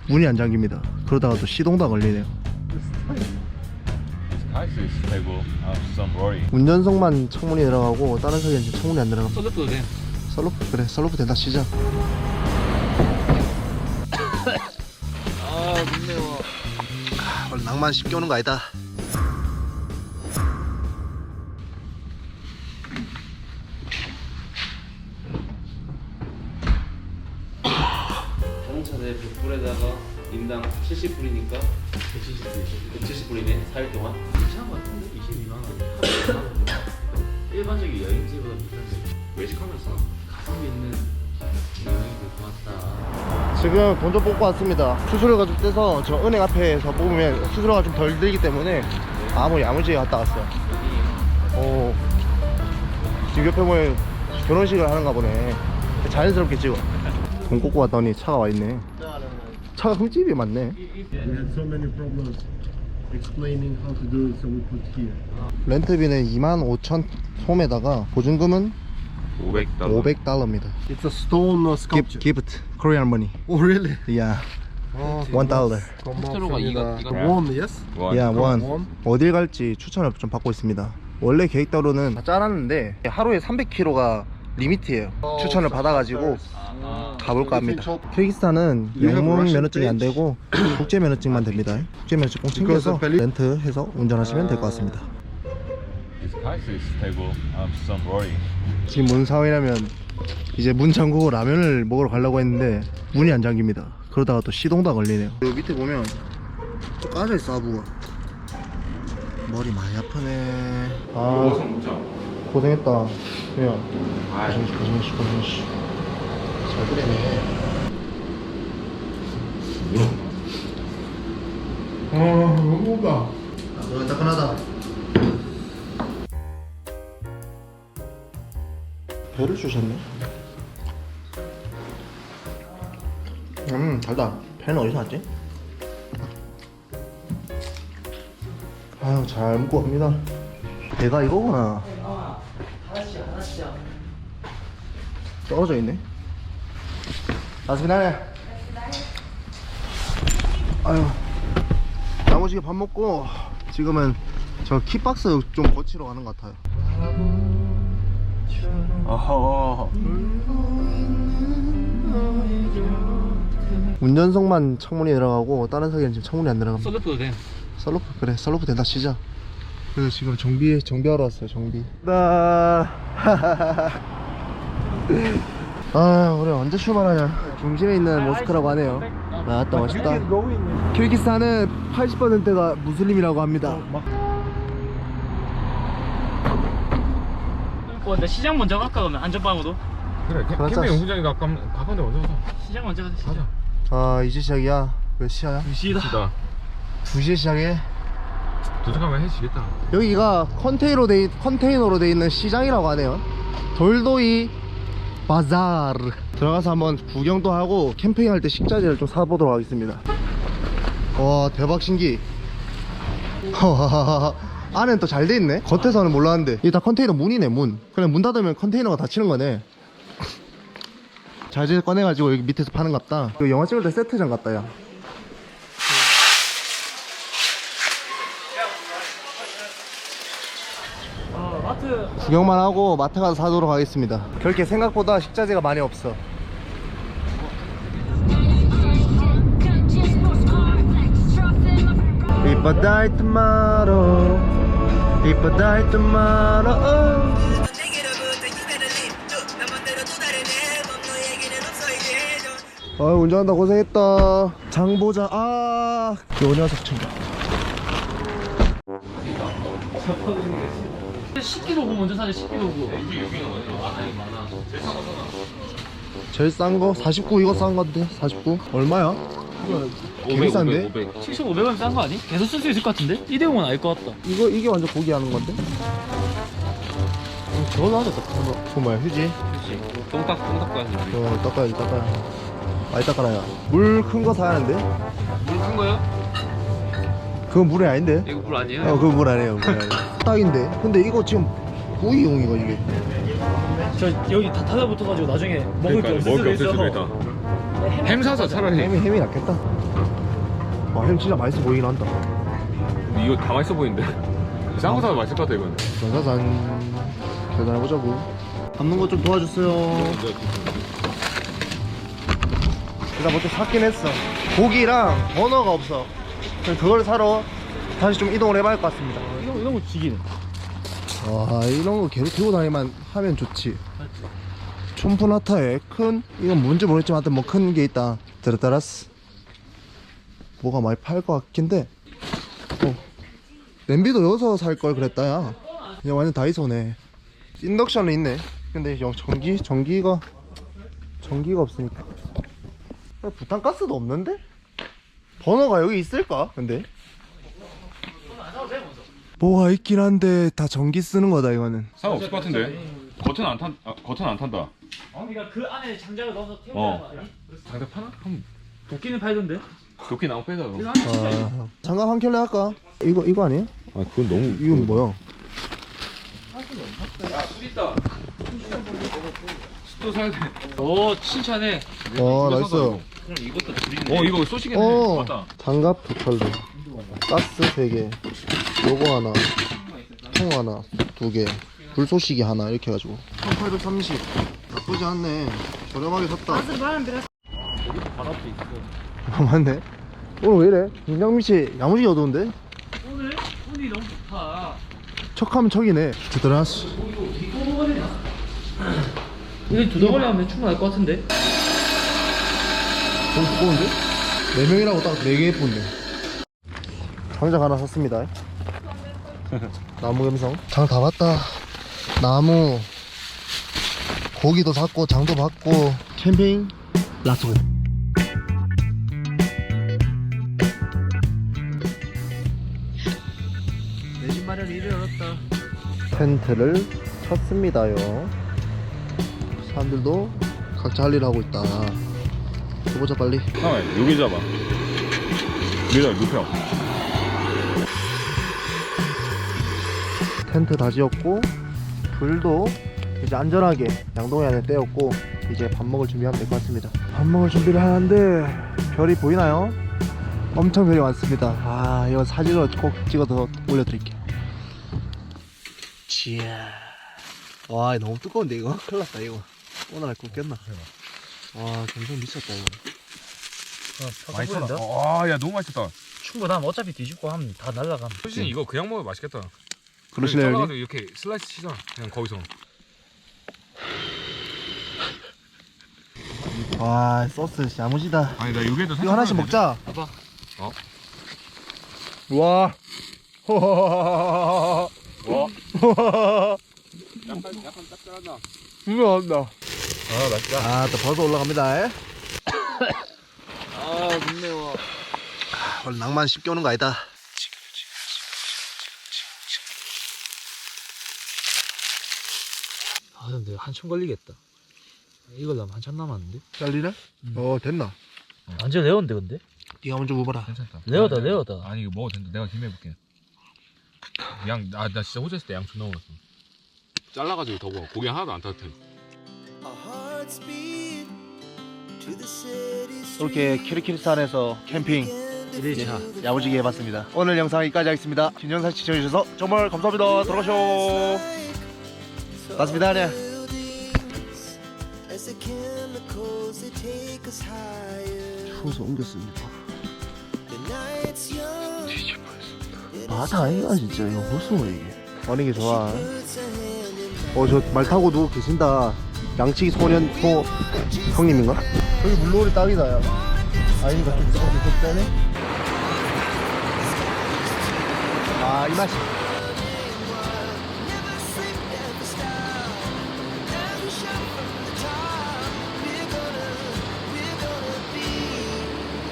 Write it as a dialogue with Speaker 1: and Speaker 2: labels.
Speaker 1: 문이 안 잠깁니다. 그러다가 또 시동도 안 걸리네요. 운전석만 창문이 들어가고 다른 석에는 지금 창문이 안 들어가.
Speaker 2: 썰루프도 돼.
Speaker 1: 썰루프, 그래 썰루프 된다 치자.
Speaker 2: 아, 눈 매워.
Speaker 1: 원래 낭만 쉽게 오는 거 아니다.
Speaker 2: 자동차 내 100불에다가 인당 70불이니까 170불이네. 4일 동안. 괜찮은 것 같은데? 22만 원. 일반적인 여행지보다 비싼데. 외식하면서 가성비 있는 여행이 될 것 같다.
Speaker 1: 지금 돈 좀 뽑고 왔습니다. 수수료가 좀 떼서 저 은행 앞에서 뽑으면 수수료가 좀 덜 들기 때문에 아무 야무지게 갔다 왔어요. 오, 지금 옆에 보면 결혼식을 하는가 보네. 자연스럽게 찍어. 돈 꽂고 왔더니 차가 와있네. 차가 흠집이 많네.
Speaker 3: We had so many problems explaining how to do it, so we put here.
Speaker 1: 렌트비는 25,000 솜에다가 보증금은 $500입니다.
Speaker 3: It's a stone sculpture.
Speaker 1: Gift, Korean money.
Speaker 3: Oh, really?
Speaker 1: Yeah,
Speaker 3: Oh,
Speaker 1: $1.
Speaker 2: 스스로가 이거
Speaker 3: Won, yes?
Speaker 1: Yeah,
Speaker 3: 원.
Speaker 1: one. 어딜 갈지 추천을 좀 받고 있습니다. 원래 계획대로는 다 짜놨는데 하루에 300km가 리미트예요. 추천을 받아가지고 가볼까 합니다. 키르기스탄은 영문 면허증이 안 되고 국제 면허증만 됩니다. 국제 면허증 꼭 챙겨서 렌트해서 운전하시면 될 것 같습니다. 지금 뭔 상황이냐면 이제 문 잠그고 라면을 먹으러 가려고 했는데 문이 안 잠깁니다. 그러다가 또 시동도 안 걸리네요. 여기 밑에 보면 또 까져있어, 하부가. 머리 많이 아프네. 아, 고생했다. 그냥 고생했어. 잘 그래네.
Speaker 3: 너무 가.
Speaker 1: 너무 따끈하다. 배를 주셨네. 달다. 배는 어디서 왔지? 아유, 잘 먹고 갑니다. 배가 이거구나.
Speaker 2: 하나씩.
Speaker 1: 떨어져 있네. 아스비나네. 아유, 나머지게 밥 먹고 지금은 저 키박스 좀 고치러 가는 것 같아요. 운전석만 창문이 들어가고 다른 석에는 지금 창문이 안 들어갑니다.
Speaker 2: 썰루프도 돼.
Speaker 1: 썰루프, 그래 썰루프 된다 치자. 그래서 지금 정비하러 왔어요. 정비. 아, 우리 언제 출발하냐. 중심에 있는 모스크라고 하네요. 나왔다, 멋있다. 키르기스탄은 80%가 무슬림이라고 합니다.
Speaker 2: 근데 시장 먼저 갈까 그러면 안전방으로?
Speaker 4: 그래,
Speaker 1: 맞아.
Speaker 4: 캠핑 연구장이 가까운데 먼저 가자.
Speaker 2: 시장 먼저 가자.
Speaker 4: 가자.
Speaker 1: 아, 이제 시작이야. 몇 시야?
Speaker 2: 2시다.
Speaker 1: 2시에 시작해.
Speaker 4: 도착하면 해지겠다.
Speaker 1: 여기가 컨테이너로 돼 있는 시장이라고 하네요. 돌도이 바자르. 들어가서 한번 구경도 하고 캠핑할 때 식자재를 좀 사보도록 하겠습니다. 와, 대박 신기. 안에는 또 잘 돼 있네. 겉에서는 몰랐는데 이게 다 컨테이너 문이네. 문. 그냥 문 닫으면 컨테이너가 닫히는 거네. 자재 꺼내가지고 여기 밑에서 파는 것 같다. 이거 영화 찍을 때 세트장 같다, 야.
Speaker 2: 마트.
Speaker 1: 구경만 하고 마트 가서 사도록 하겠습니다. 그렇게 생각보다 식자재가 많이 없어. If I die tomorrow, if I die tomorrow. 운전한다 고생했다. 장보자. 아, 요 녀석 좀.
Speaker 2: 10kg 먼저 사자. 10kg.
Speaker 1: 제일 싼 거 49. 이거 싼 건데 49 얼마야? 개 비싼데?
Speaker 2: 7,500원 싼 거 아니? 계속 쓸 수 있을 것 같은데? 일회용은 아닐 것 같다.
Speaker 1: 이게 완전 고기 하는 건데?
Speaker 2: 저걸로 하자.
Speaker 1: 그거 뭐야, 휴지?
Speaker 2: 똥딱 가는 거.
Speaker 1: 닦아야지. 많이 닦아놔야. 물 큰 거 사야 하는데?
Speaker 2: 물큰 거요?
Speaker 1: 그건 물이 아닌데?
Speaker 2: 이거 물 아니에요?
Speaker 1: 그건 물 아니에요. 딱인데? 근데 이거 지금 구이용이거 이게.
Speaker 2: 저 여기 다 타다붙어가지고 나중에 먹을 게 없을 수도 있어.
Speaker 4: 햄 사서 차라리.
Speaker 1: 햄이 낫겠다. 와, 햄 진짜 맛있어 보이긴 한다.
Speaker 4: 근데 이거 다 맛있어 보이는데? 이상한 거 사도 맛있을 것 같아 이건.
Speaker 1: 짜잔. 계산해보자고. 담는 거 좀 도와주세요. 일단 먼저 샀긴 했어. 고기랑 버너가 없어. 그래서 그걸 사러 다시 좀 이동을 해봐야 할 것 같습니다.
Speaker 2: 이런 거 지기네.
Speaker 1: 와, 이런 거 계속 들고 다니만 하면 좋지. 촌푸나타에 큰, 이건 뭔지 모르겠지만 하여튼 뭐 큰 게 있다. 드르따라스. 뭐가 많이 팔 것 같긴 해. 냄비도 여기서 살 걸 그랬다, 야. 그냥 완전 다이소네. 인덕션은 있네. 근데 전기가 없으니까. 부탄가스도 없는데? 버너가 여기 있을까? 근데? 뭐가 있긴 한데 다 전기 쓰는 거다 이거는.
Speaker 4: 상관없을 것 같은데? 겉은 안 탄다.
Speaker 2: 그러니까 그 안에 장작을 넣어서 태우는
Speaker 4: 어.
Speaker 2: 거 아니야?
Speaker 4: 장작 파나? 한번
Speaker 2: 도끼는 팔던데?
Speaker 4: 도끼 나무 빼자 그럼.
Speaker 2: 이거 안에 진짜 있어.
Speaker 1: 장갑 한 켤레 할까? 이거 아니에요?
Speaker 4: 아 그건 너무.
Speaker 1: 이건 뭐야?
Speaker 2: 술 있다.
Speaker 4: 또 사야 돼.
Speaker 2: 오 칭찬해.
Speaker 1: 나이스.
Speaker 2: 그럼 이것도 드리네.
Speaker 4: 이거 쏘시겠네. 맞다.
Speaker 1: 장갑 2켤레, 가스 3개, 요거 하나, 통 하나 2개, 불쏘시개 하나 이렇게 해가지고 1830. 나쁘지 않네. 저렴하게 샀다.
Speaker 2: 바로 앞에 있어.
Speaker 1: 맞네. 오늘 왜 이래? 김장미씨 야무지게 어두운데?
Speaker 2: 오늘 운이 너무 좋다.
Speaker 1: 척하면 척이네. 드드라스.
Speaker 2: 이거 두 덩어리 하면 충분할 것 같은데?
Speaker 1: 너무 두꺼운데? 4명이라고 딱 4개 예쁜데. 장작 하나 샀습니다. 나무 감성. 장 다 봤다. 나무, 고기도 샀고, 장도 봤고, 캠핑, 라소.
Speaker 2: 내 집 마련 일을 열었다.
Speaker 1: 텐트를 쳤습니다요. 사람들도 각자 할 일 하고 있다. 해보자 빨리.
Speaker 4: 잠깐만 여기 잡아. 여기다 눕혀.
Speaker 1: 텐트 다 지었고, 불도 이제 안전하게 양동이 안에 떼었고, 이제 밥 먹을 준비하면 될 것 같습니다. 밥 먹을 준비를 하는데 별이 보이나요? 엄청 별이 많습니다. 아, 이거 사진으로 꼭 찍어서 올려드릴게요. 지야. 와, 너무 두꺼운데 이거? 큰일 났다 이거. 오늘 날 굽겠나? 와, 굉장히 미쳤다 이거.
Speaker 2: 맛있다.
Speaker 4: 와야 너무 맛있다.
Speaker 2: 충분하면 어차피 뒤집고 하면 다 날라감.
Speaker 4: 솔직히 이거 그냥 먹으면 맛있겠다.
Speaker 1: 그러시네요 형님?
Speaker 4: 잘라가지고 이렇게 슬라이스 치자. 그냥 거기서.
Speaker 1: 와, 소스 야무지다.
Speaker 4: 아니 나 여기에도
Speaker 1: 이거 하나씩 먹자.
Speaker 2: 봐봐.
Speaker 4: 어?
Speaker 1: 와.
Speaker 4: 와. 약간 짭짤하다.
Speaker 1: 분명한다.
Speaker 4: 아 맛있다.
Speaker 1: 아, 또 벌써 올라갑니다.
Speaker 2: 아 눈 매워.
Speaker 1: 원래 낭만 쉽게 오는 거 아니다.
Speaker 2: 아 근데 한참 걸리겠다. 이걸 하면 한참 남았는데?
Speaker 1: 잘리네? 됐나?
Speaker 2: 완전 레어인데 근데?
Speaker 1: 네가 먼저 먹어라.
Speaker 4: 괜찮다.
Speaker 2: 레어다
Speaker 4: 아니,
Speaker 2: 레어다.
Speaker 4: 아니 이거 먹어도 된다. 내가 김해볼게. 나 진짜 호주에 있을 때 양 존나 먹었어. 잘라가지고 더 먹어. 고기 하나도 안 따뜻해.
Speaker 1: 이렇게 키르키스탄에서 캠핑
Speaker 2: 1일차
Speaker 1: 야무지게 해봤습니다. 오늘 영상 여기까지 하겠습니다. 긴 영상 시청해주셔서 정말 감사합니다. 들어가쇼. 맞습니다. 네. 추워서 옮겼습니다. 바다 아이가 진짜 이거 무슨 이게. 어느 게 좋아. 저 말 타고 누워 계신다. 양치기 소년 형님인가? 여기 물놀이 딱이다 야. 아닌가 좀 세네. 아, 이 맛이.